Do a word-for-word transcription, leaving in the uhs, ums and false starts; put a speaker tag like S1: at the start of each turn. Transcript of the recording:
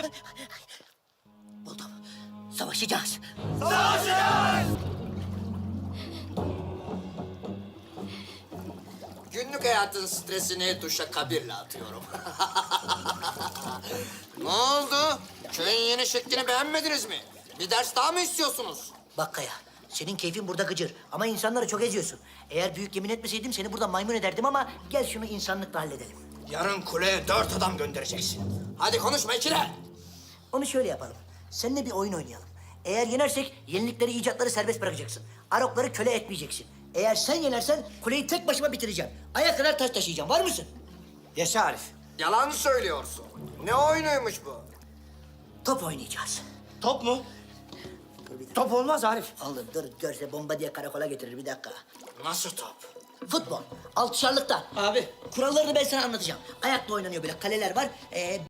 S1: Arif!
S2: Buldum. Savaşacağız.
S3: Günlük hayatın stresini duşa kabirle atıyorum. Ne oldu? Köyün yeni şeklini beğenmediniz mi? Bir ders daha mı istiyorsunuz?
S2: Bak Kaya, senin keyfin burada gıcır ama insanları çok eziyorsun. Eğer büyük yemin etmeseydim seni burada maymun ederdim ama gel şunu insanlıkla halledelim.
S3: Yarın kuleye dört adam göndereceksin. Hadi konuşma ikile.
S2: Onu şöyle yapalım. Seninle bir oyun oynayalım. Eğer yenersek yenilikleri, icatları serbest bırakacaksın. Arokları köle etmeyeceksin. Eğer sen yenersen kuleyi tek başıma bitireceğim. Aya kadar taş taşıyacağım. Var mısın?
S1: Yaşa Arif.
S3: Yalan söylüyorsun. Ne oyunuymuş bu?
S2: Top oynayacağız.
S1: Top mu?
S2: Dur bir dakika.
S1: Top olmaz Arif.
S2: Oğlum dur görse bomba diye karakola getirir bir dakika.
S3: Nasıl top?
S2: Futbol. Altışarlıkta.
S1: Abi.
S2: Kurallarını ben sana anlatacağım. Ayakla oynanıyor böyle. Kaleler var. Ee,